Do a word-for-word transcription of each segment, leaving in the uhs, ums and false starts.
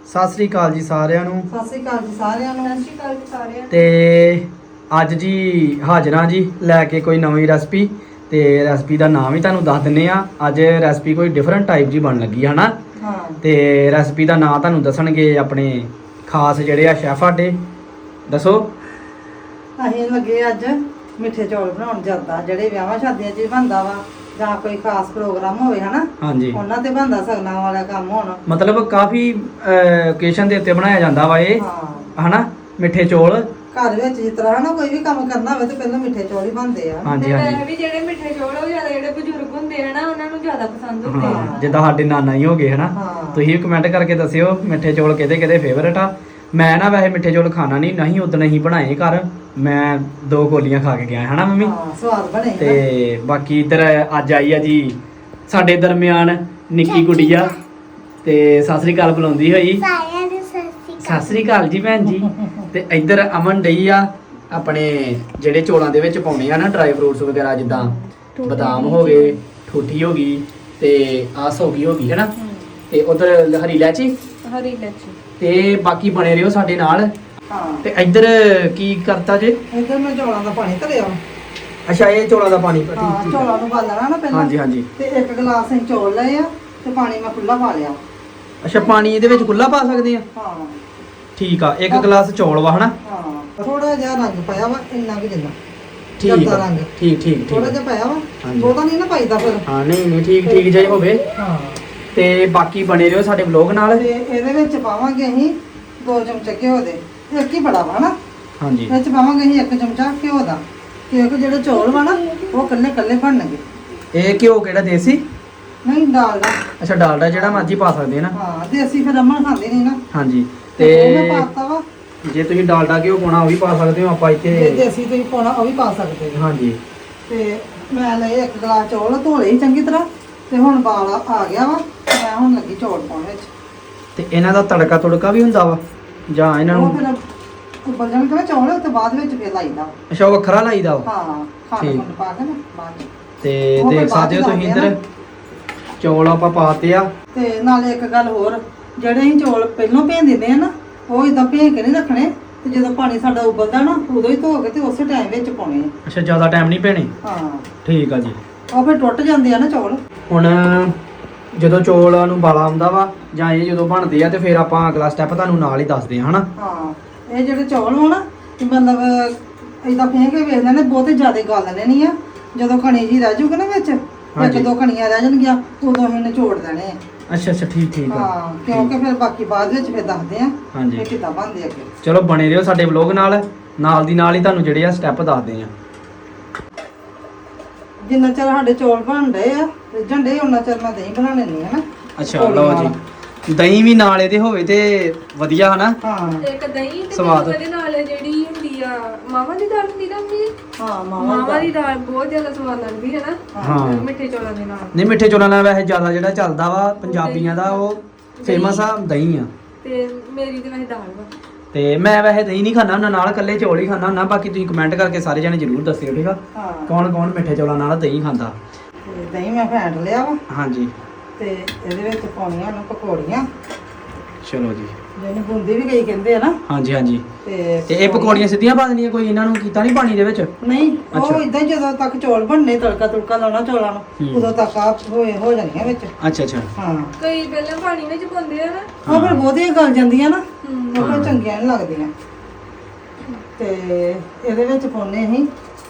ਸਤਿ ਸ੍ਰੀ ਅਕਾਲ ਜੀ ਸਾਰਿਆਂ ਨੂੰ। ਸਤਿ ਸ੍ਰੀ ਅਕਾਲ ਜੀ ਸਾਰਿਆਂ ਨੂੰ। ਸਤਿ ਸ੍ਰੀ ਅਕਾਲ ਜੀ ਸਾਰਿਆਂ ਨੂੰ। ਤੇ ਅੱਜ ਜੀ ਹਾਜ਼ਰਾਂ ਜੀ ਲੈ ਕੇ ਕੋਈ ਨਵੀਂ ਰੈਸਪੀ। ਤੇ ਰੈਸਪੀ ਦਾ ਨਾਮ ਹੀ ਤੁਹਾਨੂੰ ਦੱਸ ਦਿੰਨੇ ਆ। ਅੱਜ ਰੈਸਪੀ ਕੋਈ ਡਿਫਰੈਂਟ ਟਾਈਪ ਜੀ ਬਣ ਲੱਗੀ ਹੈ ਨਾ। ਹਾਂ। ਤੇ ਰੈਸਪੀ ਦਾ ਨਾਮ ਤੁਹਾਨੂੰ ਦੱਸਣਗੇ ਆਪਣੇ ਖਾਸ ਜਿਹੜੇ ਆ ਸ਼ੈਫ ਸਾਡੇ। ਦੱਸੋ। ਅਸੀਂ ਲੱਗੇ ਅੱਜ ਮਿੱਠੇ ਚੌਲ ਬਣਾਉਣ ਜਾਂਦਾ, ਜਿਹੜੇ ਵਿਆਹਾਂ ਸ਼ਾਦੀਆਂ 'ਚ ਬਣਦਾ ਵਾ ਜਾਂ ਕੋਈ ਖਾਸ ਪ੍ਰੋਗਰਾਮ ਹੋਵੇ ਹਨਾ। ਹਾਂਜੀ। ਉਹਨਾਂ ਤੇ ਬਣਦਾ ਸਗਨਾਂ ਵਾਲਾ ਕੰਮ ਹੋਣਾ। ਮਤਲਬ ਕਾਫੀ ਓਕੇਸ਼ਨ ਦੇ ਉੱਤੇ ਬਣਾਇਆ ਜਾਂਦਾ ਵਾ ਇਹ ਹਾਂ ਹਨਾ, ਮਿੱਠੇ ਚੌਲ। ਘਰ ਵਿੱਚ ਜਿਸ ਤਰ੍ਹਾਂ ਹਨਾ ਕੋਈ ਵੀ ਕੰਮ ਕਰਨਾ ਹੋਵੇ ਤੇ ਪਹਿਲਾਂ ਮਿੱਠੇ ਚੌਲ ਹੀ ਬਣਦੇ ਆ। ਹਾਂਜੀ ਤੇ ਹਾਂਜੀ। ਵੈਸੇ ਵੀ ਜਿਹੜੇ ਮਿੱਠੇ ਚੌਲ ਉਹ ਜ਼ਿਆਦਾ ਜਿਹੜੇ ਬਜ਼ੁਰਗ ਹੁੰਦੇ ਆ ਨਾ ਉਹਨਾਂ ਨੂੰ ਜ਼ਿਆਦਾ ਪਸੰਦ ਹੁੰਦੇ ਹਾਂ, ਆ। ਜਿੱਦਾਂ ਸਾਡੇ ਨਾਨਾ ਹੀ ਹੋ ਗਏ ਹਨਾ। ਹਾਂ। ਤੁਸੀਂ ਵੀ ਕਮੈਂਟ ਕਰਕੇ ਦੱਸਿਓ ਮਿੱਠੇ ਚੌਲ ਕਿਹਦੇ ਕਿਹਦੇ ਫੇਵਰਟ ਆ। ਮੈਂ ਨਾ ਵੈਸੇ ਮਿੱਠੇ ਚੌਲ ਖਾਣਾ ਨਹੀਂ ਨਹੀਂ ਉਦੋਂ ਹੀ ਬਣਾਏ ਘਰ। ਮੈਂ ਦੋ ਕੋਲੀਆਂ ਖਾ ਕੇ ਗਿਆ ਹਨਾ ਮੰਮੀ। ਹਾਂ ਸਵਾਦ ਬਣੇ ਨਾ। ਤੇ ਬਾਕੀ ਇੱਧਰ ਅੱਜ ਆਈ ਆ ਜੀ ਸਾਡੇ ਦਰਮਿਆਨ ਨਿੱਕੀ ਗੁੜੀਆ। ਤੇ ਸਤਿ ਸ੍ਰੀ ਅਕਾਲ ਬੁਲਾਉਂਦੀ ਹੋਈ। ਸਾਰਿਆਂ ਨੂੰ ਸਤਿ ਸ਼੍ਰੀ ਸਤਿ ਸ੍ਰੀ ਅਕਾਲ ਜੀ ਭੈਣ ਜੀ। ਤੇ ਇੱਧਰ ਅਮਨ ਡਈ ਆ ਆਪਣੇ ਜਿਹੜੇ ਚੌਲਾਂ ਦੇ ਵਿੱਚ ਪਾਉਣੇ ਆ ਨਾ ਡਰਾਈ ਫਰੂਟਸ ਵਗੈਰਾ, ਜਿੱਦਾਂ ਬਦਾਮ ਹੋ ਗਏ, ਠੂਠੀ ਹੋ ਗਈ ਤੇ ਆਸ ਹੋ ਗਈ ਹੋ ਗਈ ਹੈਨਾ। ਤੇ ਉਧਰ ਹਰੀ ਇਲਾਇਚੀ ਹਰੀ ਇਲਾਇਚੀ। ਤੇ ਬਾਕੀ ਬਣੇ ਰਹੋ ਸਾਡੇ ਨਾਲ। ਹਾਂ। ਤੇ ਇੱਧਰ ਕੀ ਕਰਤਾ ਜੇ? ਇੱਧਰ ਮੈਂ ਚੌਲਾਂ ਦਾ ਪਾਣੀ ਧਰਿਆ। ਅੱਛਾ, ਇਹ ਚੌਲਾਂ ਦਾ ਪਾਣੀ। ਹਾਂ, ਚੌਲਾਂ ਨੂੰ ਬਾਲਣਾ ਨਾ ਪਹਿਲਾਂ। ਹਾਂਜੀ ਹਾਂਜੀ। ਤੇ ਇੱਕ ਗਲਾਸ ਅਸੀਂ ਚੌਲ ਲਏ ਆ ਤੇ ਪਾਣੀ ਮੈਂ ਖੁੱਲਾ ਪਾ ਲਿਆ। ਅੱਛਾ, ਪਾਣੀ ਇਹਦੇ ਵਿੱਚ ਖੁੱਲਾ ਪਾ ਸਕਦੇ ਆ? ਹਾਂ। ਠੀਕ ਆ। ਇੱਕ ਗਲਾਸ ਚੌਲ ਵਾ ਹਨਾ। ਹਾਂ, ਥੋੜਾ ਜਿਹਾ ਰੰਗ ਪਾਇਆ ਵਾ, ਇੰਨਾ ਕੁ ਜਿੰਨਾ। ਠੀਕ ਜਰਦਾ ਆ। ਰੰਗ। ਠੀਕ ਠੀਕ ਥੋੜਾ ਠੀਕ। ਜਿਹਾ ਪਾਇਆ ਵਾ। ਹਾਂਜੀ। ਬਹੁਤਾ ਨਹੀਂ ਨਾ ਪਾਈਦਾ ਫਿਰ। ਹਾਂ ਨਹੀਂ ਨਹੀਂ, ਠੀਕ ਠੀਕ ਜਿਹਾ ਹੀ ਹੋਵੇ। ਹਾਂ। ਤੇ ਬਾਕੀ ਬਣੇ ਰਹੋ ਸਾਡੇ ਵਲੌਗ ਨਾਲ। ਤੇ ਇਹਦੇ ਵਿੱਚ ਪਾਵਾਂਗੇ ਅਸੀਂ ਦੋ ਚਮਚੇ ਘਿਓ ਦੇ। ਇੱਕ ਹੀ ਬੜਾ ਵਾ ਨਾ। ਹਾਂਜੀ। ਵਿੱਚ ਪਾਵਾਂਗੇ ਅਸੀਂ ਇੱਕ ਚਮਚਾ ਘਿਓ ਦਾ, ਕਿਉਂਕਿ ਜਿਹੜੇ ਚੌਲ ਵਾ ਨਾ ਉਹ ਕੱਲੇ ਕੱਲੇ ਬਣਨਗੇ। ਇਹ ਘਿਓ ਕਿਹੜਾ, ਦੇਸੀ? ਨਹੀਂ, ਡਾਲਡਾ। ਅੱਛਾ, ਡਾਲਡਾ ਜਿਹੜਾ ਮਰਜ਼ੀ ਪਾ ਸਕਦੇ ਆ ਨਾ। ਹਾਂ, ਦੇਸੀ ਫਿਰ ਅਮਨ ਖਾਂਦੇ ਨਹੀਂ ਨਾ। ਹਾਂਜੀ। ਤੇ ਉਹ ਮੈਂ ਤੇ ਪਾਤਾ ਵਾ। ਜੇ ਤੁਸੀਂ ਡਾਲਡਾ ਘਿਓ ਪਾਉਣਾ ਉਹ ਵੀ ਪਾ ਸਕਦੇ ਹੋ। ਆਪਾਂ ਜੇ ਇੱਥੇ ਦੇਸੀ ਤੁਸੀਂ ਪਾਉਣਾ ਉਹ ਵੀ ਪਾ ਸਕਦੇ ਹੋ। ਹਾਂਜੀ। ਤੇ ਮੈਂ ਲਏ ਇੱਕ ਗਲਾਸ ਚੌਲ, ਧੋਲੇ ਹੀ ਚੰਗੀ ਤਰ੍ਹਾਂ। ਤੇ ਹੁਣ ਬਾਲ ਆ ਗਿਆ ਵਾ। ਮੈਂ ਹੁਣ ਲੱਗੀ ਚੌਲ ਪਾਉਣ ਵਿੱਚ। ਤੇ ਇਹਨਾਂ ਦਾ ਤੜਕਾ ਤੁੜਕਾ ਵੀ ਹੁੰਦਾ ਵਾ ਜਾਂ ਇਹਨਾਂ ਉਹ ਨੂੰ? ਫਿਰ ਉੱਬਲ ਜਾਣ ਕੇ ਚੌਲ ਉਸ ਤੋਂ ਬਾਅਦ ਵਿੱਚ ਫਿਰ ਲਾਈਦਾ। ਅੱਛਾ, ਉਹ ਵੱਖਰਾ ਲਾਈਦਾ ਵਾ। ਹਾਂ, ਖਾਣ ਠੀਕ। ਖੁੰਡ ਪਾ ਕੇ ਨਾ ਬਾਅਦ ਚ। ਤੇ ਉਹ ਫਿਰ ਦੇਖ ਬਾਅਦ ਸਕਦੇ ਹੋ ਚ ਤੁਸੀਂ ਲਾਉਂਦੇ ਆ ਇੱਧਰ ਚੌਲ ਆਪਾਂ ਪਾਤੇ ਆ। ਤੇ ਨਾਲੇ ਇੱਕ ਗੱਲ ਹੋਰ, ਜਿਹੜੇ ਅਸੀਂ ਚੌਲ ਪਹਿਲਾਂ ਭੇਜ ਦਿੰਦੇ ਆ ਨਾ, ਉਹ ਇਦਾਂ ਭੇਜ ਕੇ ਨਹੀਂ ਰੱਖਣੇ। ਤੇ ਜਦੋਂ ਪਾਣੀ ਸਾਡਾ ਉਬਲਦਾ ਨਾ ਉਦੋਂ ਹੀ ਧੋ ਕੇ ਤੇ ਉਸੇ ਟਾਈਮ ਵਿੱਚ ਪਾਉਣੇ ਆ। ਅੱਛਾ, ਜ਼ਿਆਦਾ ਟਾਈਮ ਨਹੀਂ ਪੈਣੇ। ਹਾਂ, ਠੀਕ ਆ ਜੀ। ਉਹ ਫਿਰ ਟੁੱਟ ਜਾਂਦੇ ਆ ਨਾ ਚੌਲ। ਹੁਣ ਜਦੋਂ ਚੌਲਾਂ ਨੂੰ ਬਾਲਾ ਆਉਂਦਾ ਵਾ ਜਾਂ ਇਹ ਜਦੋਂ ਬਣਦੇ ਆ ਤੇ ਫਿਰ ਆਪਾਂ ਅਗਲਾ ਸਟੈਪ ਤੁਹਾਨੂੰ ਨਾਲ ਹੀ ਦੱਸਦੇ ਆ ਹਨਾ। ਹਾਂ, ਇਹ ਜਿਹੜੇ ਚੌਲ ਹੋਣ ਤੇ ਮਤਲਬ ਇਦਾਂ ਫੇਂਕ ਕੇ ਵੇਖ ਲੈਣੇ, ਬਹੁਤੇ ਜ਼ਿਆਦਾ ਗਾਲਣੇ ਨਹੀਂ ਆ। ਜਦੋਂ ਕਣੀ ਜੀ ਰਹਿ ਜੂਗੀ ਨਾ ਵਿੱਚ, ਇੱਕ ਹਾਂਜੀ। ਦੋ ਕਣੀਆਂ ਰਹਿ ਜਾਣਗੀਆਂ, ਉਦੋਂ ਅਸੀਂ ਨਿਚੋੜ ਦੇਣੇ ਆ। ਅੱਛਾ ਅੱਛਾ, ਠੀਕ ਠੀਕ ਆ। ਹਾਂ, ਕਿਉਂਕਿ ਫਿਰ ਬਾਕੀ ਬਾਅਦ ਵਿੱਚ ਫਿਰ ਦੱਸਦੇ ਆ ਹਾਂਜੀ। ਕਿ ਕਿੱਦਾਂ ਬਣਦੇ ਅੱਗੇ। ਚਲੋ ਬਣੇ ਰਹੋ ਸਾਡੇ ਵਲੌਗ ਨਾਲ। ਨਾਲ ਦੀ ਨਾਲ ਹੀ ਤੁਹਾਨੂੰ ਜਿਹੜੇ ਆ ਸਟੈਪ ਦੱਸਦੇ ਆ। ਜਿੰਨਾ ਚਿਰ ਸਾਡੇ ਚੌਲ ਬਣ ਰਹੇ ਆ ਰਿੱਝਣ ਡੇ, ਉਹਨਾਂ ਚਿਰ ਮੈਂ ਦਹੀਂ ਬਣਾ ਲੈਣੀ ਹੈ ਨਾ। ਅੱਛਾ, ਪਕੌੜੀ ਲਓ ਨਾਲ। ਜੀ। ਦਹੀਂ ਵੀ ਨਾਲ ਇਹਦੇ ਹੋਵੇ ਤੇ ਵਧੀਆ ਹਨਾ। ਹਾਂ ਇੱਕ ਦਹੀਂ ਤੇ ਸਵਾਦ। ਉਹਦੇ ਨਾਲ ਜਿਹੜੀ ਹੁੰਦੀ ਆ ਮਾਵਾਂ ਦੀ ਦਾਲ ਹੁੰਦੀ ਨਾ ਮੰਮੀ, ਹਾਂ, ਮਾਵਾਂ ਮਾਵਾ ਦੀ ਦਾਲ ਬਹੁਤ ਜ਼ਿਆਦਾ ਸਵਾਦ ਲੱਗਦੀ ਹੈ ਨਾ। ਹਾਂ। ਮਿੱਠੇ ਚੌਲਾਂ ਦੇ ਨਾਲ। ਨਹੀਂ, ਮਿੱਠੇ ਚੌਲਾਂ ਨਾਲ ਵੈਸੇ ਜ਼ਿਆਦਾ ਜਿਹੜਾ ਚੱਲਦਾ ਵਾ ਪੰਜਾਬੀਆਂ ਦਾ ਉਹ ਫੇਮਸ ਆ ਦਹੀਂ ਆ। ਤੇ ਮੇਰੀ ਤੇ ਵੈਸੇ ਦਾਲ ਵਾ। ਤੇ ਮੈਂ ਵੈਸੇ ਦਹੀਂ ਨਹੀਂ ਖਾਂਦਾ ਹੁੰਦਾ, ਨਾਲ ਇਕੱਲੇ ਚੌਲ ਹੀ ਖਾਂਦਾ ਹੁੰਦਾ। ਬਾਕੀ ਤੁਸੀਂ ਕਮੈਂਟ ਕਰਕੇ ਸਾਰੇ ਜਣੇ ਜ਼ਰੂਰ ਦੱਸਿਓ, ਠੀਕ ਆ? ਹਾਂ। ਕੌਣ ਕੌਣ ਮਿੱਠੇ ਚੌਲਾਂ ਨਾਲ ਦਹੀਂ ਖਾਂਦਾ। ਤੇ ਦਹੀਂ ਮੈਂ ਫੈਂਟ ਲਿਆ ਵਾ ਹਾਂਜੀ। ਤੇ ਇਹਦੇ ਵਿੱਚ ਪਾਉਣੀਆਂ ਨੇ ਪਕੌੜੀਆਂ, ਚਲੋ ਜੀ। ਜਿਹਨੂੰ ਬੂੰਦੀ ਵੀ ਕਈ ਕਹਿੰਦੇ ਆ ਨਾ। ਹਾਂਜੀ ਹਾਂਜੀ। ਤੇ ਤੇ ਇਹ ਪਕੌੜੀਆਂ ਸਿੱਧੀਆਂ ਪਾ ਦੇਣੀਆਂ, ਕੋਈ ਇਹਨਾਂ ਨੂੰ ਕੀਤਾ ਨਹੀਂ ਪਾਣੀ ਦੇ ਵਿੱਚ? ਨਹੀਂ, ਅੱਛਾ। ਉਹ ਇਦਾਂ ਹੀ ਜਦੋਂ ਤੱਕ ਚੌਲ ਬਣਨੇ, ਤੜਕਾ ਤੁੜਕਾ ਲਾਉਣਾ ਚੌਲਾਂ ਹੂੰ। ਨੂੰ, ਉਦੋਂ ਤੱਕ ਆ ਹੋਏ ਹੋ ਜਾਣੀਆਂ ਵਿੱਚ। ਅੱਛਾ ਅੱਛਾ। ਹਾਂ, ਕਈ ਪਹਿਲਾਂ ਪਾਣੀ ਵਿੱਚ ਪਾਉਂਦੇ ਆ ਨਾ। ਉਹ ਫਿਰ ਬਹੁਤੀਆਂ ਗਲ ਜਾਂਦੀਆਂ ਨਾ, ਹੂੰ। ਉਹ ਫਿਰ ਚੰਗੀਆਂ ਨਹੀਂ ਲੱਗਦੀਆਂ। ਤੇ ਇਹਦੇ ਵਿੱਚ ਪਾਉਣੇ ਅਸੀਂ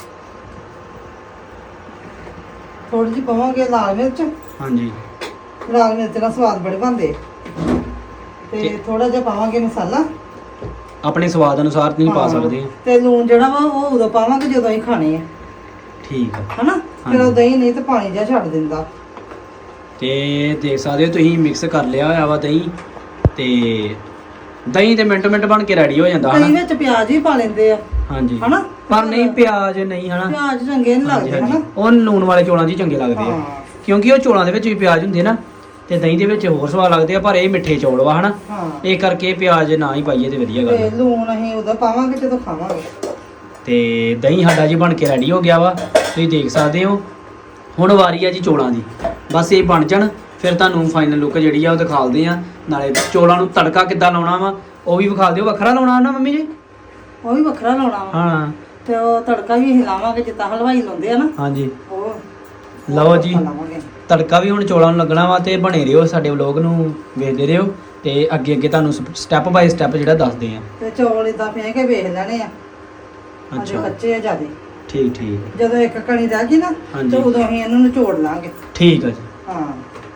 ਥੋੜੀ ਜਿਹੀ ਪਾਵਾਂਗੇ ਲਾਲ ਮਿਰਚ। ਹਾਂਜੀ। ਲਾਲ ਮਿਰਚ ਨਾਲ ਸਵਾਦ ਬੜੇ ਬਣਦੇ। ਤੇ ਤੇ- ਥੋੜਾ ਜਿਹਾ ਪਾਵਾਂਗੇ ਮਸਾਲਾ। ਆਪਣੇ ਸਵਾਦ ਅਨੁਸਾਰ ਤੁਸੀਂ ਪਾ ਹਾਂ। ਸਕਦੇ ਆ। ਤੇ ਲੂਣ ਜਿਹੜਾ ਵਾ ਉਹ ਉਦੋਂ ਪਾਵਾਂਗੇ ਜਦੋਂ ਅਸੀਂ ਖਾਣੇ ਆ, ਠੀਕ ਆ। ਹਨਾ। ਫਿਰ ਉਹ ਹਾਂਜੀ। ਦਹੀਂ ਨਹੀਂ ਤੇ ਪਾਣੀ ਜਿਹਾ ਛੱਡ ਦਿੰਦਾ। ਤੇ ਦੇਖ ਸਕਦੇ ਹੋ ਤੁਸੀਂ ਮਿਕਸ ਕਰ ਲਿਆ ਹੋਇਆ ਵਾ ਦਹੀਂ। ਤੇ ਦਹੀਂ ਤੇ ਮਿੰਟ ਮਿੰਟ ਬਣ ਕੇ ਰੈਡੀ ਹੋ ਜਾਂਦਾ ਕਈ ਹਨਾ। ਵਿੱਚ ਪਿਆਜ਼ ਵੀ ਪਾ ਲੈਂਦੇ ਆ, ਹਾਂਜੀ। ਹਨਾ। ਪਰ ਨਹੀਂ, ਪਿਆਜ਼ ਨਹੀਂ ਹਨਾ। ਪਿਆਜ਼ ਚੰਗੇ ਨਹੀਂ ਹਾਂਜੀ, ਲੱਗਦੇ, ਹਾਂਜੀ। ਹਨਾ। ਉਹ ਲੂਣ ਵਾਲੇ ਚੌਲਾਂ 'ਚ ਹੀ ਚੰਗੇ ਲੱਗਦੇ ਆ, ਹਾਂ। ਕਿਉਂਕਿ ਉਹ ਚੌਲਾਂ ਦੇ ਵਿੱਚ ਵੀ ਪਿਆਜ਼ ਹੁੰਦੇ ਨਾ ਤੇ ਦਹੀਂ ਦੇ ਵਿੱਚ ਹੋਰ ਸਵਾਦ ਲੱਗਦੇ ਆ। ਪਰ ਇਹ ਮਿੱਠੇ ਚੌਲ ਵਾ ਹਨਾ, ਹਾਂ। ਇਹ ਕਰਕੇ ਪਿਆਜ਼ ਨਾ ਹੀ ਪਾਈਏ ਤੇ ਵਧੀਆ ਗੱਲ ਤੇ ਆ। ਲੂਣ ਅਸੀਂ ਉਦੋਂ ਪਾਵਾਂਗੇ ਜਦੋਂ ਖਾਵਾਂਗੇ। ਤੇ ਦਹੀਂ ਸਾਡਾ ਜੀ ਬਣ ਕੇ ਰੈਡੀ ਹੋ ਗਿਆ ਵਾ, ਤੁਸੀਂ ਦੇਖ ਸਕਦੇ ਹੋ। ਹੁਣ ਵਾਰੀ ਆ ਜੀ ਚੌਲਾਂ ਦੀ। ਬਸ ਇਹ ਬਣ ਜਾਣ ਫਿਰ ਤੁਹਾਨੂੰ ਫਾਈਨਲ ਲੁੱਕ ਜਿਹੜੀ ਆ ਉਹ ਦਿਖਾਲਦੇ ਆ। ਨਾਲੇ ਚੋਲਾਂ ਨੂੰ ਤੜਕਾ ਕਿੱਦਾਂ ਲਾਉਣਾ ਵਾ ਉਹ ਵੀ ਵਿਖਾ ਦਿਓ। ਵੱਖਰਾ ਲਾਉਣਾ ਨਾ ਮੰਮੀ ਜੀ? ਉਹ ਵੀ ਵੱਖਰਾ ਲਾਉਣਾ ਵਾ ਹਾਂ ਤੇ ਉਹ ਤੜਕਾ ਵੀ ਹਿਲਾਵਾਂਗੇ ਜਿੱਦਾਂ ਹਲਵਾਈ ਲਾਉਂਦੇ ਆ ਨਾ ਹਾਂਜੀ। ਉਹ ਲਓ ਜੀ ਲਾਵਾਂਗੇ। ਤੜਕਾ ਵੀ ਹੁਣ ਚੋਲਾਂ ਨੂੰ ਲੱਗਣਾ ਵਾ ਤੇ ਬਣੇ ਰਹੋ ਸਾਡੇ ਵਲੋਗ ਨੂੰ ਵੇਖਦੇ ਰਹੋ ਤੇ ਅੱਗੇ ਅੱਗੇ ਤੁਹਾਨੂੰ ਸਟੈਪ ਬਾਈ ਸਟੈਪ ਜਿਹੜਾ ਦੱਸਦੇ ਆ। ਤੇ ਚੌਲ ਇਦਾਂ ਫੇ ਕੇ ਵੇਖ ਲੈਣੇ ਆ। ਅੱਛਾ ਕੱਚੇ ਆ ਜਿਆਦੇ। ਠੀਕ ਠੀਕ। ਜਦੋਂ ਇੱਕ ਕਣੀ ਰਹਿ ਗਈ ਨਾ ਹਾਂਜੀ। ਤੇ ਉਦੋਂ ਅਸੀਂ ਇਹਨੂੰ ਨਿਚੋੜ ਲਾਂਗੇ। ਠੀਕ ਆ ਜੀ। ਹਾਂ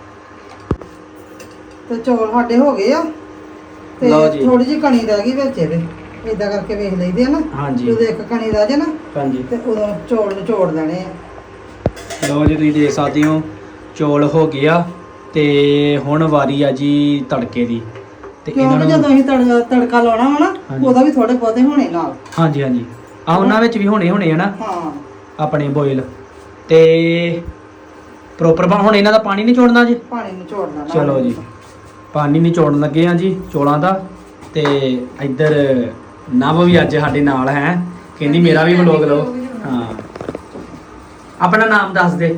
ਤੇ ਚੌਲ ਸਾਡੇ ਹੋ ਗਏ ਆ ਤੇ ਲਓ ਜੀ। ਥੋੜੀ ਜਿਹੀ ਕਣੀ ਰਹਿ ਗਈ ਵਿੱਚ ਇਹਦੇ ਇਦਾਂ ਕਰਕੇ ਵੇਖ ਲਈਦੇ ਆ ਨਾ। ਹਾਂਜੀ। ਜਦੋਂ ਇੱਕ ਕਣੀ ਰਹਿ ਜੇ ਨਾ ਹਾਂਜੀ ਤੇ ਉਦੋਂ ਚੌਲ ਨਿਚੋੜ ਲੈਣੇ ਆ। ਲਓ ਜੀ ਤੁਸੀਂ ਦੇਖ ਸਕਦੇ ਹੋ ਚੌਲ ਹੋ ਗਏ ਆ ਤੇ ਹੁਣ ਵਾਰੀ ਆ ਜੀ ਤੜਕੇ ਦੀ ਤੇ ਕਿਉਂਕਿ ਜਦੋਂ ਅਸੀਂ ਤੜ- ਤੜਕਾ ਲਾਉਣਾ ਵਾ ਨਾ ਹਾਂਜੀ। ਉਹਦਾ ਵੀ ਥੋੜੇ ਬਹੁਤੇ ਹੋਣੇ ਨਾਲ। ਹਾਂਜੀ ਹਾਂਜੀ ਆ ਉਹਨਾਂ ਵਿੱਚ ਵੀ ਹੋਣੇ ਹੋਣੇ ਆ ਨਾ ਹਾਂ ਆਪਣੇ ਬੋਇਲ ਤੇ ਪ੍ਰੋਪਰ ਹੁਣ ਇਹਨਾਂ ਦਾ ਪਾਣੀ ਨਹੀਂ ਛੋੜਨਾ ਜੀ। ਪਾਣੀ ਨਿਚੋੜ ਲੈਣਾ। ਚਲੋ ਜੀ ਪਾਣੀ ਨਹੀਂ ਛੋੜਨ ਲੱਗੇ ਆ ਜੀ ਚੋਲਾਂ ਦਾ। ਤੇ ਇੱਧਰ ਨਵ ਵੀ ਅੱਜ ਸਾਡੇ ਨਾਲ ਹੈ ਕਹਿੰਦੀ ਮੇਰਾ ਵੀ ਵਲੋਗ ਲਓ। ਹਾਂ ਆਪਣਾ ਨਾਮ ਦੱਸ ਦੇ।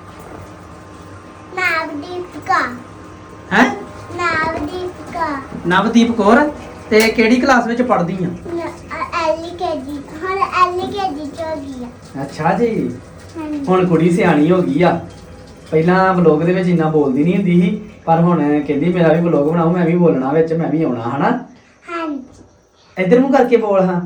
ਨਵਦੀਪਕਾ ਹੈ ਨਵਦੀਪਕਾ ਨਵਦੀਪ ਕੌਰ ਤੇ ਕਿਹੜੀ ਕਲਾਸ ਵਿੱਚ ਪੜ੍ਹਦੀ ਆ? ਐਲਕੇਜੀ ਹੁਣ ਐਲਕੇਜੀ ਚ ਹੋ ਗਈ ਆ। ਅੱਛਾ ਜੀ ਹਾਂਜੀ ਹੁਣ ਕੁੜੀ ਸਿਆਣੀ ਹੋ ਗਈ ਆ। ਪਹਿਲਾਂ ਵਲੋਗ ਦੇ ਵਿੱਚ ਇੰਨਾ ਬੋਲਦੀ ਨਹੀਂ ਹੁੰਦੀ ਸੀ ਪਰ ਹੁਣ ਕਹਿੰਦੀ ਮੇਰਾ ਵੀ ਵਲੋਗ ਬਣਾਓ ਮੈਂ ਵੀ ਬੋਲਣਾ ਵਿੱਚ ਮੈਂ ਵੀ ਆਉਣਾ ਹਨਾ। ਹਾਂਜੀ ਇੱਧਰ ਮੂੰਹ ਕਰਕੇ ਬੋਲ ਹਾਂ।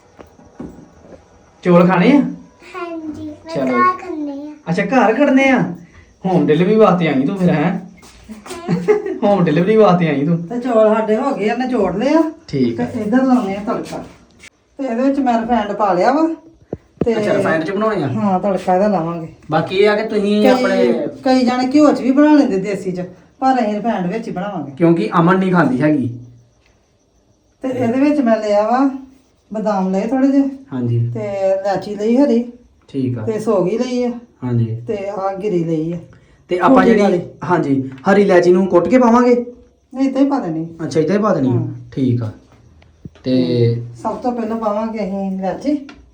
ਚੌਲ ਖਾਣੇ ਆ? ਹਾਂਜੀ ਮੈਂ ਚਲੋ। ਕਾ ਕਰਨੇ ਆ। ਅੱਛਾ ਘਰ ਖੜਨੇ ਆ। ਹੋਮ ਡਿਲੀਵਰੀ ਵਾਸਤੇ ਆਈ ਤੂੰ ਫਿਰ ਹੈ? ਹੋਮ ਡਿਲੀਵਰੀ ਵਾਸਤੇ ਆਈ ਤੂੰ? ਤੇ ਚੌਲ ਸਾਡੇ ਹੋ ਗਏ ਆ ਨਿਚੋੜ ਲਏ ਆ ਠੀਕ ਤੇ ਹੈ। ਇਧਰ ਲਾਉਣੇ ਆ ਤੜਕਾ ਤੇ ਇਹਦੇ ਵਿੱਚ ਮੈਂ ਰਿਫਾਈਂਡ ਪਾ ਲਿਆ ਵਾ ਤੇ ਅੱਛਾ ਰਿਫਾਈਨਡ ਚ ਬਣਾਉਣੇ ਆ। ਹਾਂ ਤੜਕਾ ਇਹਦਾ ਲਾਵਾਂਗੇ। ਬਾਕੀ ਇਹ ਆ ਕਿ ਤੁਸੀਂ ਆਪਣੇ ਕਈ ਕਈ ਜਾਣੇ ਘਿਓ ਚ ਵੀ ਬਣਾ ਲੈਂਦੇ ਦੇਸੀ ਚ ਪਰ ਅਸੀਂ ਰਿਫਾਈਂਡ ਵਿੱਚ ਹੀ ਬਣਾਵਾਂਗੇ। ਕਿਉਂਕਿ ਅਮਨ ਨਹੀਂ ਖਾਂਦੀ ਹੈਗੀ। ਤੇ ਇਹਦੇ ਵਿੱਚ ਮੈਂ ਲਿਆ ਵਾ ਬਦਾਮ ਲਏ ਥੋੜੇ ਜਿਹੇ ਹਾਂਜੀ ਤੇ ਇਲਾਚੀ ਲਈ ਹਰੀ ਠੀਕ ਆ। ਤੇ ਸੌਗੀ ਲਈ ਆ ਹਾਂਜੀ ਤੇ ਆ ਗਿਰੀ ਲਈ ਆ। ਤੇ ਆਪਾਂ ਛੋਟੀ ਜਿਹੜੀ ਵਾਲੀ। ਹਾਂਜੀ ਹਰੀ ਇਲਾਇਚੀ ਨੂੰ ਕੁੱਟ ਕੇ ਪਾਵਾਂਗੇ? ਨਹੀਂ ਤਾਂ ਹੀ ਪਾ ਦੇਣੀ। ਅੱਛਾ ਇੱਦਾਂ ਹੀ ਪਾ ਦੇਣੀ ਆ? ਹਾਂ। ਠੀਕ ਆ। ਤੇ ਸਭ ਤੋਂ ਪਹਿਲਾਂ ਪਾਵਾਂਗੇ ਅਸੀਂ ਇਲਾਚੀ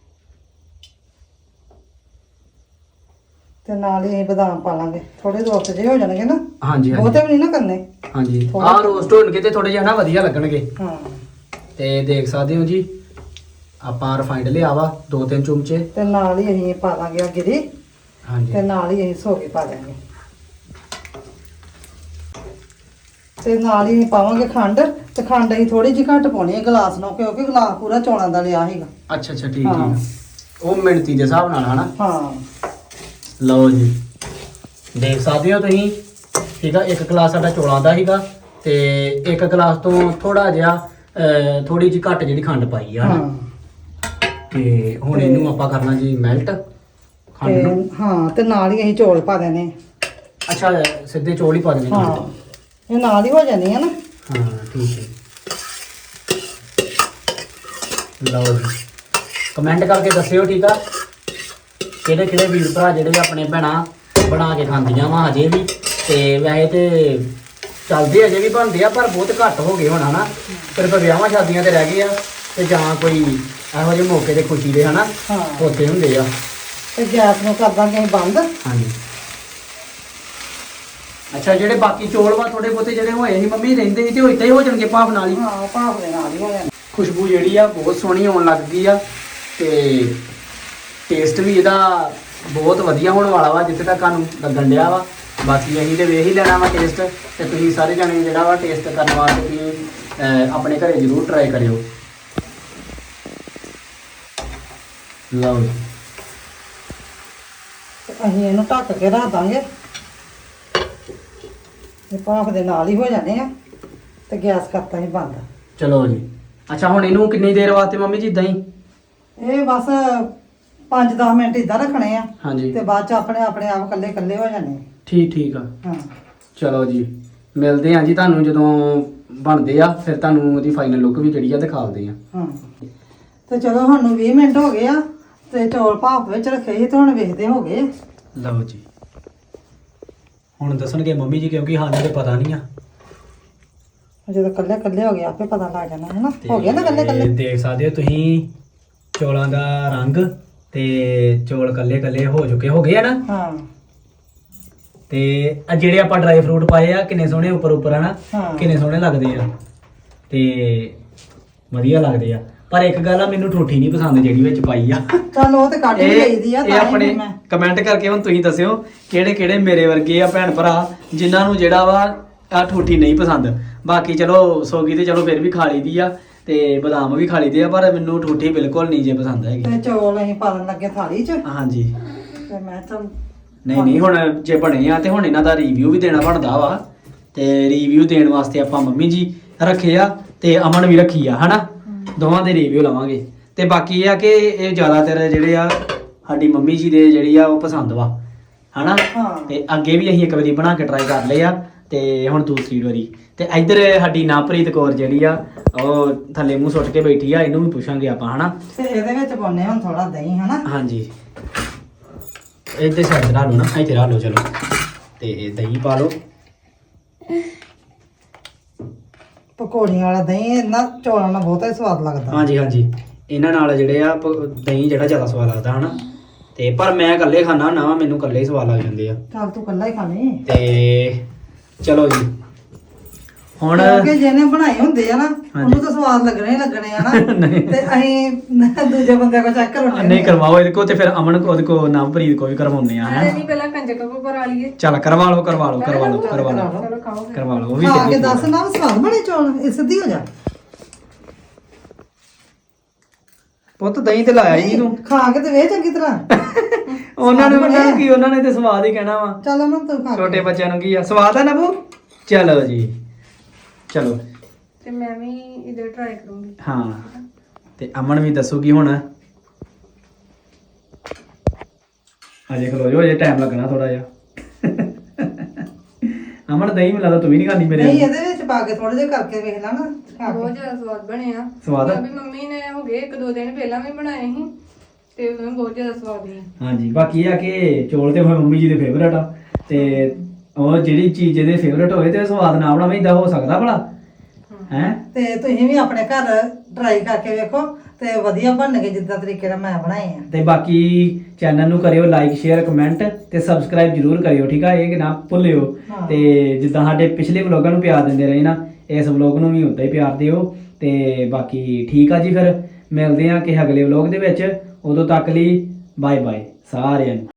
ਤੇ ਨਾਲ ਹੀ ਅਸੀਂ ਬਦਾਮ ਪਾ ਲਾਂਗੇ। ਥੋੜੇ ਰੋਸਟ ਜਿਹੇ ਹੋ ਜਾਣਗੇ ਨਾ ਹਾਂਜੀ ਬਹੁਤੇ ਹਾਂਜੀ ਵੀ ਨਹੀਂ ਨਾ ਕਰਨੇ। ਹਾਂਜੀ ਥੋੜ੍ਹਾ- ਆਹ ਰੋਸਟ ਹੋਣਗੇ ਤੇ ਥੋੜੇ ਜਿਹਾ ਨਾ ਵਧੀਆ ਲੱਗਣਗੇ। ਹਾਂ ਤੇ ਦੇਖ ਸਕਦੇ ਹੋ ਜੀ ਆਪਾਂ ਰਿਫਾਈਨਡ ਲਿਆ ਵਾ ਦੋ ਤਿੰਨ ਚਮਚੇ। ਤੇ ਨਾਲ ਹੀ ਅਸੀਂ ਪਾ ਦਾਂਗੇ ਆ ਗਿਰੀ ਹਾਂਜੀ ਤੇ ਨਾਲ ਹੀ ਅਸੀਂ ਸੌਗੀ ਪਾ ਦਾਂਗੇ ਤੇ ਨਾਲ ਹੀ ਅਸੀਂ ਪਾਵਾਂਗੇ ਖੰਡ ਤੇ ਖੰਡ ਅਸੀਂ ਥੋੜੀ ਜਿਹੀ ਘੱਟ ਪਾਉਣੀ ਹੈ ਗਲਾਸ ਨੂੰ ਕਿਉਂਕਿ ਗਲਾਸ ਪੂਰਾ ਚੌਲਾਂ ਦਾ ਲਿਆ ਸੀਗਾ। ਅੱਛਾ ਅੱਛਾ ਠੀਕ ਹਾਂ। ਠੀਕ ਉਹ ਮਿਣਤੀ ਦੇ ਹਿਸਾਬ ਨਾਲ ਹਨਾ। ਹਾਂ ਲਓ ਜੀ ਦੇਖ ਸਕਦੇ ਹੋ ਤੁਸੀਂ ਠੀਕ ਆ। ਇੱਕ ਗਲਾਸ ਸਾਡਾ ਚੌਲਾਂ ਦਾ ਸੀਗਾ ਤੇ ਇੱਕ ਗਲਾਸ ਤੋਂ ਥੋੜਾ ਜਿਹਾ ਥੋੜੀ ਜਿਹੀ ਘੱਟ ਜਿਹੜੀ ਖੰਡ ਪਾਈ ਆ ਹਨਾ। ਹਾਂ ਤੇ ਹੁਣ ਇਹਨੂੰ ਆਪਾਂ ਕਰਨਾ ਜੀ ਮੈਲਟ ਖੰਡ ਨੂੰ। ਤੇ ਹਾਂ ਤੇ ਨਾਲ ਹੀ ਅਸੀਂ ਚੌਲ ਪਾ ਦੇਣੇ। ਅੱਛਾ ਸਿੱਧੇ ਚੌਲ ਹੀ ਪਾ ਦੇਣੇ ਨਾਲ। ਹਾਂ ਇਹ ਨਾਲ ਹੀ ਹੋ ਜਾਣੀ ਹੈ ਨਾ। ਹਾਂ ਠੀਕ ਹੈ। ਲਓ ਜੀ ਕਮੈਂਟ ਕਰਕੇ ਦੱਸਿਓ ਠੀਕ ਆ ਕਿਹੜੇ ਕਿਹੜੇ ਵੀਰ ਭਰਾ ਜਿਹੜੇ ਆਪਣੇ ਭੈਣਾਂ ਬਣਾ ਕੇ ਖਾਂਦੀਆਂ ਵਾ ਅਜੇ ਵੀ। ਤੇ ਵੈਸੇ ਤੇ ਚੱਲਦੇ ਅਜੇ ਵੀ ਬਣਦੇ ਆ ਪਰ ਬਹੁਤ ਘੱਟ ਹੋ ਗਏ ਹੁਣ ਹਨਾ। ਸਿਰਫ ਵਿਆਹਾਂ ਸ਼ਾਦੀਆਂ ਤੇ ਰਹਿ ਗਏ ਆ ਤੇ ਜਾਂ ਕੋਈ ਇਹੋ ਜਿਹੇ ਮੌਕੇ ਤੇ ਖੁਸ਼ੀ ਦੇ ਹਨਾ ਹਾਂ ਉੱਥੇ ਹੁੰਦੇ ਆ। ਤੇ ਗੈਸ ਨੂੰ ਕਰ ਦਾਂਗੇ ਅਸੀਂ ਬੰਦ। ਹਾਂਜੀ ਅੱਛਾ ਜਿਹੜੇ ਬਾਕੀ ਚੌਲ ਵਾ ਥੋੜੇ ਬਹੁਤੇ ਜਿਹੜੇ ਹੋਏ ਸੀ ਮੰਮੀ ਰਹਿੰਦੇ ਸੀ ਤੇ ਉਹ ਇਦਾਂ ਹੀ ਹੋ ਜਾਣਗੇ ਭਾਫ ਨਾਲ ਹੀ। ਹਾਂ ਭਾਫ ਦੇ ਨਾਲ ਹੀ ਹੋ ਜਾਣਾ। ਖੁਸ਼ਬੂ ਜਿਹੜੀ ਆ ਬਹੁਤ ਸੋਹਣੀ ਆਉਣ ਲੱਗ ਗਈ ਆ ਤੇ ਟੇਸਟ ਵੀ ਇਹਦਾ ਬਹੁਤ ਵਧੀਆ ਹੋਣ ਵਾਲਾ ਵਾ ਜਿੱਥੇ ਤੱਕ ਸਾਨੂੰ ਲੱਗਣ ਡਿਆ ਵਾ। ਬਾਕੀ ਅਸੀਂ ਤੇ ਵੇਖ ਹੀ ਲੈਣਾ ਵਾ ਟੇਸਟ ਤੇ ਤੁਸੀਂ ਸਾਰੇ ਜਣੇ ਜਿਹੜਾ ਵਾ ਟੇਸਟ ਕਰਨ ਵਾਸਤੇ ਤੁਸੀਂ ਅਹ, ਆਪਣੇ ਘਰੇ ਜ਼ਰੂਰ ਟਰਾਈ ਕਰਿਓ। ਲਓ ਜੀ ਤੇ ਅਸੀਂ ਇਹਨੂੰ ਢੱਕ ਕੇ ਰੱਖ ਦਾਂਗੇ। ਇਹ ਭਾਫ ਦੇ ਨਾਲ ਹੀ ਹੋ ਜਾਣੇ ਆ ਤੇ ਗੈਸ ਕਰਤਾ ਹੀ ਬੰਦ। ਚਲੋ ਜੀ ਅੱਛਾ ਹੁਣ ਇਹਨੂੰ ਕਿੰਨੀ ਦੇਰ ਵਾਸਤੇ ਮੰਮੀ ਜੀ ਇਦਾਂ ਹੀ? ਇਹ ਬਸ ਪੰਜ ਦਸ ਮਿੰਟ ਇਦਾਂ ਰੱਖਣੇ ਆ ਹਾਂਜੀ ਤੇ ਬਾਅਦ ਚ ਆਪਣੇ ਆਪਣੇ ਆਪ ਕੱਲੇ ਕੱਲੇ ਹੋ ਜਾਣੇ। ਠੀਕ ਠੀਕ ਆ। ਹਾਂ ਚਲੋ ਜੀ ਮਿਲਦੇ ਹਾਂ ਜੀ ਤੁਹਾਨੂੰ ਜਦੋਂ ਬਣਦੇ ਆ ਫਿਰ ਤੁਹਾਨੂੰ ਉਹਦੀ ਫਾਈਨਲ ਲੁੱਕ ਵੀ ਜਿਹੜੀ ਆ ਦਿਖਾਉਂਦੇ ਆ। ਹਾਂ ਤੇ ਚਲੋ ਸਾਨੂੰ ਵੀਹ ਮਿੰਟ ਹੋ ਗਏ ਆ ਤੇ ਚੌਲ ਭਾਫ ਵਿੱਚ ਰੱਖੇ ਸੀ ਤੇ ਹੁਣ ਵੇਖਦੇ ਹੋ ਗਏ। ਲਓ ਜੀ ਹੁਣ ਦੱਸਣਗੇ ਮੰਮੀ ਜੀ ਕਿਉਂਕਿ ਸਾਨੂੰ ਤੇ ਪਤਾ ਨਹੀਂ ਆ। ਜਦੋਂ ਕੱਲੇ ਕੱਲੇ ਹੋ ਗਏ ਆਪੇ ਪਤਾ ਲੱਗ ਜਾਣਾ ਹੈ ਨਾ। ਹੋ ਗਿਆ ਨਾ ਕੱਲੇ ਤੇ ਕੱਲੇ। ਦੇਖ ਸਕਦੇ ਹੋ ਤੁਸੀਂ ਚੌਲਾਂ ਦਾ ਰੰਗ ਤੇ ਚੌਲ ਕੱਲੇ ਕੱਲੇ ਹੋ ਚੁੱਕੇ ਹੋ ਗਏ ਆ ਨਾ। ਹਾਂ ਤੇ ਆ ਜਿਹੜੇ ਆਪਾਂ ਡਰਾਈ ਫਰੂਟ ਪਾਏ ਆ ਕਿੰਨੇ ਸੋਹਣੇ ਉੱਪਰ ਉੱਪਰ ਹਨਾ ਹਾਂ। ਕਿੰਨੇ ਸੋਹਣੇ ਲੱਗਦੇ ਆ ਤੇ ਵਧੀਆ ਲੱਗਦੇ ਆ। ਪਰ ਇੱਕ ਗੱਲ ਆ, ਮੈਨੂੰ ਠੋਠੀ ਨਹੀਂ ਪਸੰਦ ਜਿਹੜੀ ਵਿੱਚ ਪਾਈ ਆ। ਚੱਲ ਉਹ ਤੇ ਕੱਢ ਹੀ ਲਈਦੀ ਆ ਇਹ ਤਾਂ ਹੀ ਆਪਣੇ ਮੈਂ ਕਮੈਂਟ ਕਰਕੇ ਹੁਣ ਤੁਸੀਂ ਦੱਸਿਓ ਕਿਹੜੇ ਕਿਹੜੇ ਮੇਰੇ ਵਰਗੇ ਆ ਭੈਣ ਭਰਾ ਜਿਨ੍ਹਾਂ ਨੂੰ ਜਿਹੜਾ ਵਾ ਆ ਠੋਠੀ ਨਹੀਂ ਪਸੰਦ। ਬਾਕੀ ਚਲੋ ਸੋਗੀ ਤੇ ਚਲੋ ਫਿਰ ਵੀ ਖਾ ਲਈਦੀ ਆ ਤੇ ਬਦਾਮ ਵੀ ਖਾ ਲਈਦੇ ਆ, ਪਰ ਮੈਨੂੰ ਠੋਠੀ ਬਿਲਕੁਲ ਨਹੀਂ ਜੇ ਪਸੰਦ ਹੈਗੀ। ਤੇ ਚੌਲ ਅਸੀਂ ਪਾਲਣ ਲੱਗੇ ਥਾਲੀ 'ਚ ਹਾਂਜੀ ਤੇ ਮੈਂ ਚੱਲ ਨਹੀਂ ਨਹੀਂ ਹੁਣ ਜੇ ਬਣੇ ਆ ਤੇ ਹੁਣ ਇਹਨਾਂ ਦਾ ਰਿਵਿਊ ਵੀ ਦੇਣਾ ਬਣਦਾ ਵਾ ਤੇ ਰਿਵਿਊ ਦੇਣ ਵਾਸਤੇ ਆਪਾਂ ਮੰਮੀ ਜੀ ਰੱਖੇ ਆ ਤੇ ਅਮਨ ਵੀ ਰੱਖੀ ਆ ਹਨਾ, ਦੋਵਾਂ ਦੇ ਰਿਵਿਊ ਲਵਾਂਗੇ। ਤੇ ਬਾਕੀ ਇਹ ਆ ਕਿ ਇਹ ਜ਼ਿਆਦਾਤਰ ਜਿਹੜੇ ਆ ਸਾਡੀ ਮੰਮੀ ਜੀ ਦੇ ਜਿਹੜੀ ਆ ਉਹ ਪਸੰਦ ਵਾ ਹਨਾ। ਹਾਂ। ਤੇ ਅੱਗੇ ਵੀ ਅਸੀਂ ਇੱਕ ਵਾਰੀ ਬਣਾ ਕੇ ਟਰਾਈ ਕਰ ਲਏ ਆ ਤੇ ਹੁਣ ਦੂਸਰੀ ਵਾਰੀ। ਤੇ ਇੱਧਰ ਸਾਡੀ ਨਾਪ੍ਰੀਤ ਕੌਰ ਜਿਹੜੀ ਆ ਉਹ ਥੱਲੇ ਮੂੰਹ ਸੁੱਟ ਕੇ ਬੈਠੀ ਆ, ਇਹਨੂੰ ਵੀ ਪੁੱਛਾਂਗੇ ਆਪਾਂ ਹਨਾ। ਤੇ ਇਹਦੇ ਵਿੱਚ ਪਾਉਣੇ ਹੁਣ ਥੋੜਾ ਦਹੀਂ ਹਨਾ। ਹਾਂਜੀ ਇੱਧਰ ਸਾਈਡ ਤੇ ਲਾ ਲਓ ਨਾ, ਇੱਥੇ ਲਾ ਲਓ ਚਲੋ ਤੇ ਦਹੀਂ ਪਾ ਲਓ। ਪਕੌੜੀਆਂ ਵਾਲਾ ਦਹੀਂ ਇਹਨਾਂ ਚੌਲਾਂ ਨਾਲ ਬਹੁਤਾ ਹੀ ਸਵਾਦ ਲੱਗਦਾ। ਹਾਂਜੀ ਹਾਂਜੀ ਇਹਨਾਂ ਨਾਲ ਜਿਹੜੇ ਆ ਪ- ਦਹੀਂ ਜਿਹੜਾ ਜ਼ਿਆਦਾ ਸਵਾਦ ਲੱਗਦਾ ਹਨਾ। ਤੇ ਪਰ ਮੈਂ ਇਕੱਲੇ ਖਾਣਾ ਨਾ, ਮੈਨੂੰ ਇਕੱਲੇ ਹੀ ਸਵਾਦ ਲੱਗ ਜਾਂਦੇ ਆ। ਚੱਲ ਤੂੰ ਕੱਲਾ ਹੀ ਖਾ ਲਈ ਤੇ ਚਲੋ ਜੀ ਹੁਣ ਕਿਉਂਕਿ ਜਿਹਨੇ ਬਣਾਏ ਹੁੰਦੇ ਆ ਨਾ ਹਾਂਜੀ। ਉਹਨੂੰ ਤਾਂ ਸਵਾਦ ਲੱਗਣੇ ਹੀ ਲੱਗਣੇ ਆ ਨਾ। ਨਹੀਂ। ਤੇ ਅਸੀਂ ਦੂਜੇ ਬੰਦੇ ਕੋ ਚੈੱਕ ਕਰਾਉਣੇ ਨਹੀਂ ਕਰਵਾਓ ਇਹਦੇ ਕੋ ਤੇ ਫਿਰ ਅਮਨ ਕੋ ਉਹਦੇ ਕੋ ਨਾਮਪ੍ਰੀਤ ਕੋ ਵੀ ਕਰਵਾਉਂਦੇ ਆ ਅਰੇ ਹਨਾ। ਨਹੀਂ ਪਹਿਲਾਂ ਕੰਜਕ ਕੋ ਕਰਾ ਲਈਏ। ਚੱਲ ਕਰਵਾ ਲਓ ਕਰਵਾ ਲਓ ਕਰਵਾ ਲਓ ਕਰਵਾ ਲਓ ਚਲੋ ਖਾਓ ਫਿਰ। ਕਰਵਾ ਲਓ ਉਹ ਵੀ ਖਾ ਕੇ ਚੱਲੀ ਦੱਸ ਨਾ ਸਵਾਦ ਬਣੇ ਚੌਲ, ਇਹ ਸਿੱਧੀ ਹੋ ਜਾ। ਪੁੱਤ ਦਹੀਂ ਤੇ ਲਾਇਆ ਹੀ ਤੂੰ। ਖਾ ਕੇ ਤੇ ਵੇ ਚੰਗੀ ਤਰ੍ਹਾਂ। ਉਹਨਾਂ ਨੇ ਉਹਨਾਂ ਨੂੰ ਕੀ, ਉਹਨਾਂ ਨੇ ਤੇ ਸਵਾਦ ਹੀ ਕਹਿਣਾ ਵਾ। ਚੱਲ ਉਹਨਾਂ ਤੂੰ ਖਾ ਛੋਟੇ ਕੇ। ਬੱਚਿਆਂ ਨੂੰ ਕੀ ਆ, ਸਵਾਦ ਆ ਨਾ ਬੂ। ਚਲੋ ਜੀ ਚਲੋ ਤੇ ਮੈਂ ਵੀ ਇਧਰ ਟਰਾਈ ਕਰੂੰਗੀ। ਹਾਂ ਤੇ ਅਮਨ ਵੀ ਦੱਸੂਗੀ ਹੁਣ। ਅਜੇ ਖਲੋ ਜੋ, ਅਜੇ ਟਾਈਮ ਲੱਗਣਾ ਥੋੜਾ ਜਿਹਾ। ਅਮਨ ਦਹੀਂ ਮਿਲਾ ਤੂੰ ਵੀ ਨਹੀਂ ਖਾਂਦੀ ਮੇਰੇ ਨਹੀਂ ਨਾਲ। ਇਹਦੇ ਵਿੱਚ ਪਾ ਕੇ ਥੋੜੇ ਜਿਹਾ ਕਰਕੇ ਵੇਖ ਲਾ ਨਾ ਖਾ ਬਹੁਤ ਕੇ। ਜ਼ਿਆਦਾ ਸਵਾਦ ਬਣੇ ਆ। ਸਵਾਦ ਆ? ਵੀ ਮੰਮੀ ਨੇ ਹੋ ਗਏ ਇੱਕ ਦੋ ਦਿਨ ਪਹਿਲਾਂ ਵੀ ਬਣਾਏ ਸੀ ਤੇ ਉਹ ਬਹੁਤ ਜ਼ਿਆਦਾ ਸਵਾਦ ਸੀ। ਹਾਂਜੀ ਬਾਕੀ ਇਹ ਆ ਕਿ ਚੌਲ ਤੇ ਹੋਏ ਮੰਮੀ ਜੀ ਦੇ ਫੇਵਰਟ ਆ ਤੇ ਉਹ ਜਿਹੜੀ ਚੀਜ਼ ਇਹਦੇ ਫੇਵਰਟ ਹੋਵੇ ਤੇ ਸਵਾਦ ਨਾ ਬਣਾਵੇ ਇਦਾਂ ਹੋ ਸਕਦਾ ਭਲਾ ਹੈ। ਤੇ ਤੁਸੀਂ ਵੀ ਆਪਣੇ ਘਰ ਟਰਾਈ ਕਰਕੇ ਵੇਖੋ ਤੇ ਵਧੀਆ ਬਣਨਗੇ ਜਿੱਦਾਂ ਤਰੀਕੇ ਨਾਲ ਮੈਂ ਬਣਾਏ ਆ। ਤੇ ਬਾਕੀ ਚੈਨਲ ਨੂੰ ਕਰਿਓ ਲਾਈਕ ਸ਼ੇਅਰ ਕਮੈਂਟ ਤੇ ਸਬਸਕ੍ਰਾਈਬ ਜਰੂਰ ਕਰਿਓ, ਠੀਕ ਆ, ਇਹ ਕਿ ਨਾ ਭੁੱਲਿਓ। ਹਾਂ। ਤੇ ਜਿੱਦਾਂ ਸਾਡੇ ਪਿਛਲੇ ਵਲੋਗਾਂ ਨੂੰ ਪਿਆਰ ਦਿੰਦੇ ਰਹੇ ਨਾ, ਇਸ ਵਲੋਗ ਨੂੰ ਵੀ ਉਦਾਂ ਹੀ ਪਿਆਰ ਦਿਓ। ਤੇ ਬਾਕੀ ਠੀਕ ਆ ਜੀ, ਫਿਰ ਮਿਲਦੇ ਆ ਕਿ ਅਗਲੇ ਵਲੋਗ ਦੇ ਵਿੱਚ। ਉਦੋਂ ਤੱਕ ਲਈ ਬਾਏ ਬਾਏ ਸਾਰਿਆਂ ਨੂੰ।